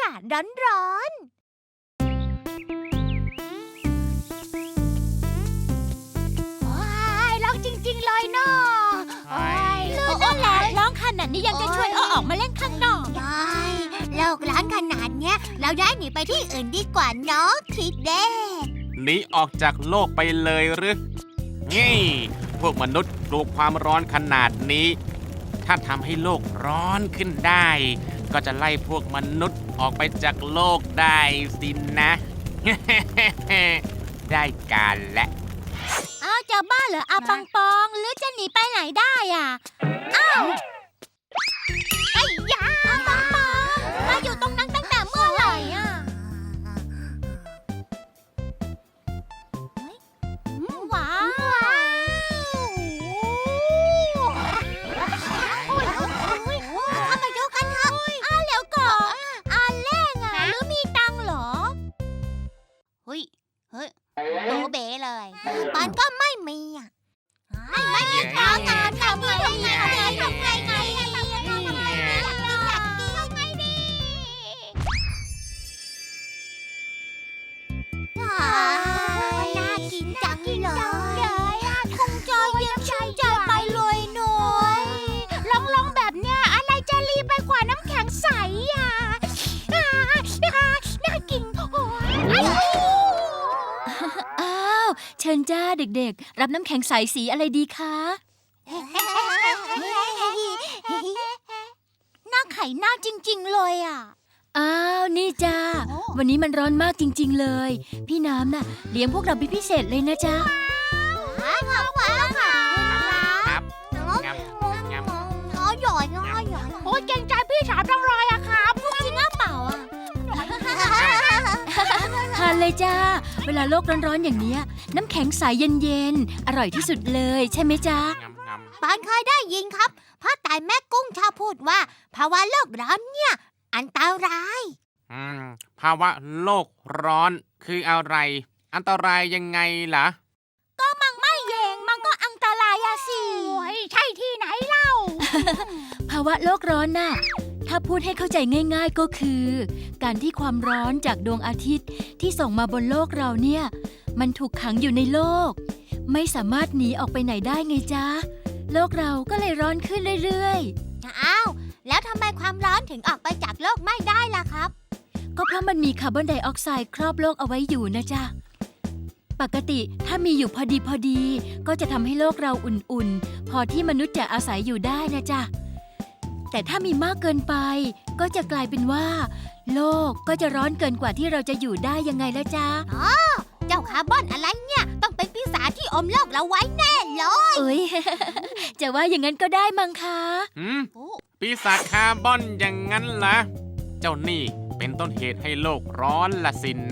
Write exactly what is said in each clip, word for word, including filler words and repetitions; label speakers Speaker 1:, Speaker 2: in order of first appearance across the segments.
Speaker 1: าศร้อนๆโอ้ยร้องจริงๆเลยเนาะโอ้ย
Speaker 2: ลื่นนั่นแหละร้องขนาดนี้ยังจะชวนเอาออกมาเล่นข้างนอก
Speaker 1: ได้โลกร้อนขนาดเนี้ยเราย้ายหนีไปที่อื่นดีกว่าเนาะคิดเด้
Speaker 3: หนีออกจากโลกไปเลยหรือนี่พวกมนุษย์กลัวความร้อนขนาดนี้ ถ้าทำให้โลกร้อนขึ้นได้ ก็จะไล่พวกมนุษย์ออกไปจากโลกได้สินะ ได้การและ
Speaker 2: อ้าวจะบ้าเหรออาปังปองหรือจะหนีไปไหนได้อ่ะอ้าวไอ้ยาอาปังปองมาอยู่ตรงนั้นตั้งแต่เมื่อไหร่อ่ะว้าว
Speaker 1: เอามาดูกันเถอะ
Speaker 2: อ้าวเร็วก่อนอาเล่งอ่ะหรือมีตังค์เหรอ
Speaker 1: เฮ้ยเฮ้ยโบเบเลยปานก็ไม่มีอ่ะไม่ไม่มีทางงานทำไงทำไงทำไงไงทำไงทำไงทำไงดีน่ากินจังเลยคงจะเย็นชื่นใจไปเลยหน่อยลองลองแบบเนี้ยอะไรจะรีไปกว่าน้ำแข็งใสอ่ะน่ากินโอ้ย
Speaker 2: อ้าวเชิญจ้าเด็กๆรับน้ำแข็งใสสีอะไรดีคะหน้าไข่หน้าจริงๆเลยอ่ะอ้าวนี่จ้าวันนี้มันร้อนมากจริงๆเลยพี่น้ำน่ะเลี้ยงพวกเราเป็นพิเศษเลยนะจ๊ะ
Speaker 1: ขอบคุณค่ะ
Speaker 3: ครับงำงำ
Speaker 1: น้อยหย่อยน้อยหย่อยโอ้ยเก่งใจพี่สาวจังเลยอะครับจริงหรือเปล่าอะ
Speaker 2: ทานเลยจ้าเวลาโลกร้อนๆอย่างเนี้ยน้ำแข็งใสเย็นๆอร่อยที่สุดเลยใช่ไหมจ๊ะ
Speaker 3: งำงำ
Speaker 1: ปานเคยได้ยินครับพ่อตายแม่กุ้งชอบพูดว่าภาวะโลกร้อนเนี่ยอันตราย
Speaker 3: อืมภาวะโลกร้อนคืออะไร อันตรายยังไงล่ะ
Speaker 2: ไม่เยงมันก็อันตรายอะสิ
Speaker 1: โอ้ยใช่ที่ไหนเล่า
Speaker 2: ภาวะโลกร้อนน่ะถ้าพูดให้เข้าใจง่ายๆก็คือ การที่ความร้อนจากดวงอาทิตย์ที่ส่งมาบนโลกเราเนี่ยมันถูกขังอยู่ในโลก ไม่สามารถหนีออกไปไหนได้ไงจ๊ะโลกเราก็เลยร้อนขึ้นเรื่อยๆ
Speaker 1: อ้าวแล้วทำไมความร้อนถึงออกไปจากโลกไม่ได้ล่ะครับ
Speaker 2: ก็เพราะมันมีคาร์บอนไดออกไซด์ครอบโลกเอาไว้อยู่นะจ๊ะ ปกติถ้ามีอยู่พอดีพอดีก็จะทำให้โลกเราอุ่นๆ พอที่มนุษย์จะอาศัยอยู่ได้นะจ๊ะ แต่ถ้ามีมากเกินไปก็จะกลายเป็นว่า โลกก็จะร้อนเกินกว่าที่เราจะอยู่ได้ยังไงละจ๊ะ
Speaker 1: เจ้าคาร์บอนอะไรเนี่ยต้องเป็นปีศาจที่อมโลกเราไว้แน่เลย
Speaker 2: เอ้ย จะว่าอย่างนั้นก็ได้มั้งคะ
Speaker 3: หืมปีศาจคาร์บอนอย่างนั้นล่ะ เจ้านี่เป็นต้นเหตุให้โลกร้อนละสินนะ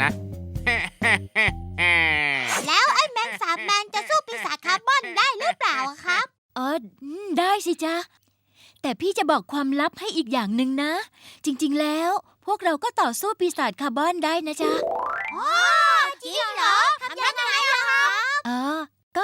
Speaker 1: แล้วไอ้แมงสาบแมนจะสู้ปีศาจคาร์บอนได้หรือเปล่าอะครับ
Speaker 2: เอออืมได้สิจ๊ะ แต่พี่จะบอกความลับให้อีกอย่างหนึ่งนะ จริงๆแล้วพวกเราก็ต่อสู้ปีศาจคาร์บอนได้นะจ๊ะ
Speaker 1: จริงเหรอทำยังไงล่ะครับ
Speaker 2: อ๋อ ก็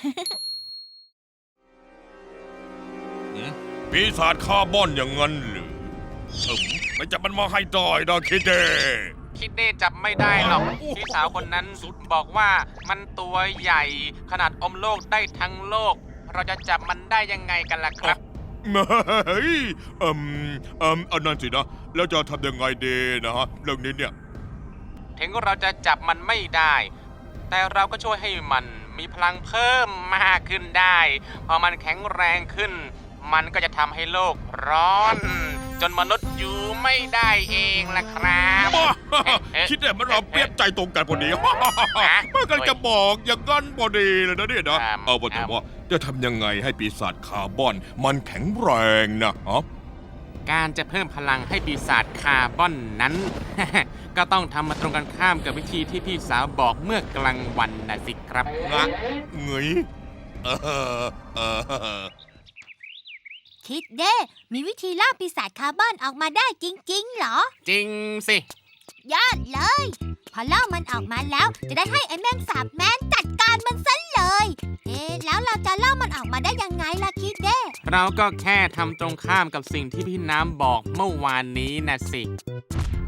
Speaker 4: ปีศาจคาร์บอนอย่างนั้นหรือเอิ่มไม่จับมันมาให้ได้นะคิดเด้
Speaker 3: คิดเด้จับไม่ได้หรอกพี่สาวคนนั้นบอกว่ามันตัวใหญ่ขนาดอมโลกได้ทั้งโลก เราจะจับมันได้ยังไงกันล่ะครับ
Speaker 4: เฮ้ยเอิ่มเอิ่มอันนั้นสินะ แล้วจะทำยังไงดีนะฮะเรื่องนี้เนี่ย
Speaker 3: ถึงเราจะจับมันไม่ได้ แต่เราก็ช่วยให้มันมีพลังเพิ่มมากขึ้นได้ พอมันแข็งแรงขึ้น มันก็จะทำให้โลกร้อน จนมนุษย์อยู่ไม่ได้เองล่ะครับ
Speaker 4: บ้าคิดได้มันเราเปรียบใจตรงกันพอดีเมื่อกันจะบอกอย่างนั้นพอดีเลยนะเนี่ยนะเอาว่าแต่ว่าจะทำยังไงให้ปีศาจคาร์บอนมันแข็งแรงนะฮะ
Speaker 3: การจะเพิ่มพลังให้ปีศาจคาร์บอนนั้น ก็ต้องทำมาตรงกันข้ามกับวิธีที่พี่สาวบอกเมื่อกลางวันนะสิครับ
Speaker 4: งะเงยเออเออ
Speaker 1: คิดเด้มีวิธีล่าปีศาจคาร์บอนออกมาได้จริงๆเหรอ
Speaker 3: จริงสิ
Speaker 1: ยอดเลย พอล่ามันออกมาแล้วจะได้ให้ไอ้แมงสาบแมนจัดการมันซะเลย เอ๊ะแล้วเราจะล่ามันออกมาได้ยังไงล่ะคิดเด้
Speaker 3: เราก็แค่ทำตรงข้ามกับสิ่งที่พี่น้ำบอกเมื่อวานนี้นะสิ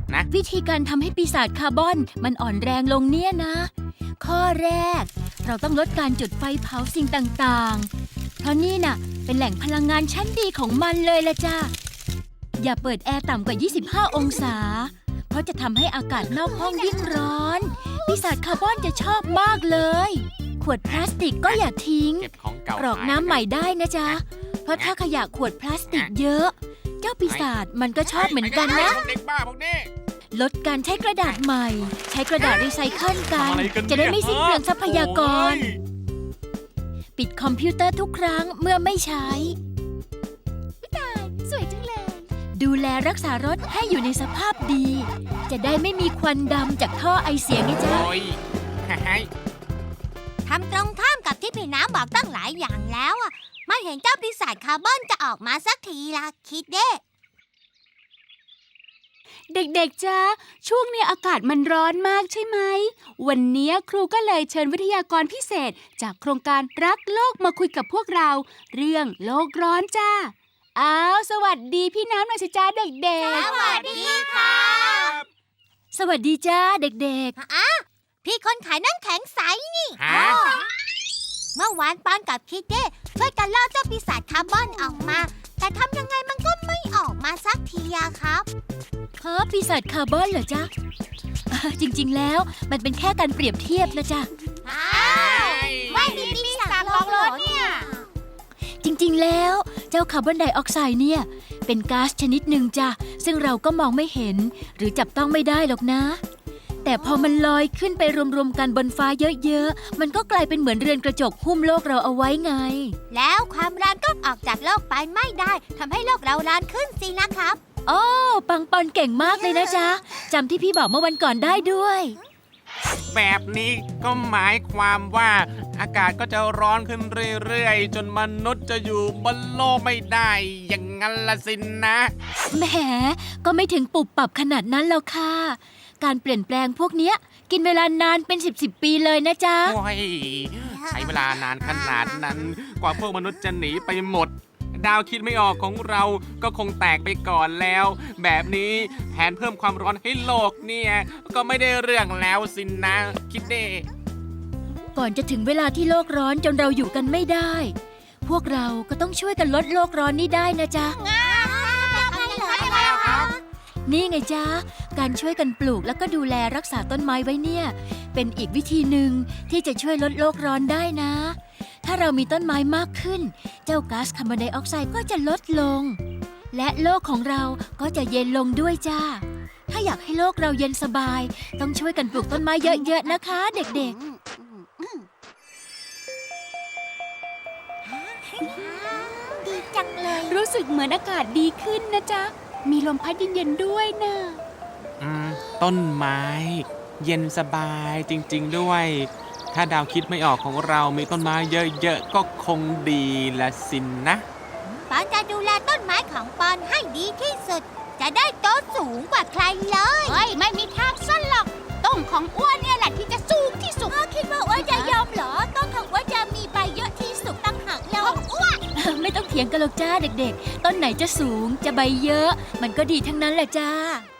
Speaker 3: นะ
Speaker 2: วิธีการทำให้ปีศาจคาร์บอนมันอ่อนแรงลงเนี่ยนะ ข้อแรก เราต้องลดการจุดไฟเผาสิ่งต่างๆ เพราะนี่น่ะเป็นแหล่งพลังงานชั้นดีของมันเลยละจ้าอย่าเปิดแอร์ต่ำกว่า ยี่สิบห้า องศา เพราะจะทำให้อากาศนอกห้องยิ่งร้อน ปีศาจคาร์บอนจะชอบมากเลย ขวดพลาสติกก็อย่าทิ้ง
Speaker 3: เก็บของเก่าก
Speaker 2: รอกน้ำใหม่ได้นะจ๊ะ เพราะถ้าขยะขวดพลาสติกเยอะ เจ้าปีศาจมันก็ชอบเหมือนกันนะ
Speaker 3: พวกเด็กบ้าพวกนี้
Speaker 2: ลดการใช้กระดาษใหม่ ใช้กระดาษรีไซเคิลกัน
Speaker 3: ทำอะไรกันเนี่ย
Speaker 2: จะได้ไม่สิ้นเปลืองทรัพยากร
Speaker 3: โอ้ย
Speaker 2: ปิดคอมพิวเตอร์ทุกครั้งเมื่อไม่ใช้
Speaker 1: สวยจังเลย
Speaker 2: ดูแลรักษารถให้อยู่ในสภาพดี จะได้ไม่มีควันดำจากท่อไอเสียไงจ๊ะ
Speaker 3: โอ้ยหาย
Speaker 1: ทำตรงข้ามกับที่พี่น้ำบอกตั้งหลายอย่างแล้วอ่ะไม่เห็นเจ้าปีศาจคาร์บอนจะออกมาสักทีละคิดเด้
Speaker 5: เด็กๆจ้าช่วงนี้อากาศมันร้อนมากใช่ไหม วันนี้ครูก็เลยเชิญวิทยากรพิเศษจากโครงการรักโลกมาคุยกับพวกเรา เรื่องโลกร้อนจ้าอ้าวสวัสดีพี่น้ำหน่อยสิจ้าเด็ก
Speaker 1: สวัสดีค่ะ
Speaker 2: สวัสดีจ้าเด็ก
Speaker 1: พี่คนขายน้ำแข็งใสนี่
Speaker 3: ฮะ
Speaker 1: เมื่อวานปอนกับคิดเด้ช่วยกันล่อเจ้าปีศาจคาร์บอนออกมา แต่ทำยังไงมันก็ไม่ออกมาสักทีอะครับ
Speaker 2: ๆ ฮะปีศาจคาร์บอนเหรอจ๊ะอ่าจริงๆแล้วมันเป็นแค่การเปรียบเทียบนะจ๊ะ
Speaker 1: อ้าวไม่มีปีศาจลองรถเนี่ย
Speaker 2: จริงๆ แล้วเจ้าคาร์บอนไดออกไซด์เนี่ยเป็นก๊าซชนิดหนึ่งจ้ะซึ่งเราก็มองไม่เห็น หรือจับต้องไม่ได้หรอกนะ แต่พอมันลอยขึ้นไปรวมๆกันบนฟ้าเยอะๆมันก็กลายเป็นเหมือนเรือนกระจกหุ้มโลกเราเอาไว้ไง
Speaker 1: แล้วความร้อนก็ออกจากโลกไปไม่ได้ทำให้โลกเราร้อนขึ้นสินะครับ
Speaker 2: โอ้ปังปอนเก่งมากเลยนะจ๊ะจำที่พี่บอกเมื่อวันก่อนได้ด้วย
Speaker 3: แบบนี้ก็หมายความว่าอากาศก็จะร้อนขึ้นเรื่อยๆ จนมนุษย์จะอยู่บนโลกไม่ได้ อย่างนั้นละสินนะ
Speaker 2: แหมก็ไม่ถึงปุบปับขนาดนั้นแล้วค่ะ การเปลี่ยนแปลงพวกเนี้ยกินเวลานานเป็นสิบสิบปีเลยนะจ๊ะ
Speaker 3: โอ้ย ใช้เวลานานขนาดนั้น กว่าพวกมนุษย์จะหนีไปหมด ดาวคิดไม่ออกของเราก็คงแตกไปก่อนแล้ว แบบนี้แผนเพิ่มความร้อนให้โลกเนี่ย ก็ไม่ได้เรื่องแล้วสินนะ คิดเด้
Speaker 2: ก่อนจะถึงเวลาที่โลกร้อนจนเราอยู่กันไม่ได้ พวกเราก็ต้องช่วยกันลดโลกร้อนนี้ได้นะจ๊ะ นี่ไงจ๊ะ การช่วยกันปลูกแล้วก็ดูแลรักษาต้นไม้ไว้เนี่ย เป็นอีกวิธีหนึ่งที่จะช่วยลดโลกร้อนได้นะ ถ้าเรามีต้นไม้มากขึ้น เจ้าก๊าซคาร์บอนไดออกไซด์ก็จะลดลง และโลกของเราก็จะเย็นลงด้วยจ้า ถ้าอยากให้โลกเราเย็นสบาย ต้องช่วยกันปลูกต้นไม้เยอะๆนะคะ เด็ก
Speaker 1: ดีจังเลย
Speaker 5: ๆ รู้สึกเหมือนอากาศดีขึ้นนะจ๊ะมีลมพัดเย็นๆด้วยนะ
Speaker 3: อืม ต้นไม้ เย็นสบายจริงๆด้วย ถ้าดาวคิดไม่ออกของเรามีต้นไม้เยอะๆ ก็คงดีละสินนะ
Speaker 1: ปอนจะดูแลต้นไม้ของปอนให้ดีที่สุด จะได้โตสูงกว่าใครเลย
Speaker 5: เฮ้ย ไม่มีทางสั้นหรอก ต้นของอ้วนเนี่ยแหละที่จะสูงที่สุด
Speaker 1: คิดว่าอ้วนจะยอมเหรอ ต้นของอ้วนจะมีใบเยอะที่สุดตั้งหากเราอ้วน
Speaker 2: ๆ ไม่ต้องเถียงกันหรอกจ้าเด็กๆ ต้นไหนจะสูงจะใบเยอะ มันก็ดีทั้งนั้นแหละจ้า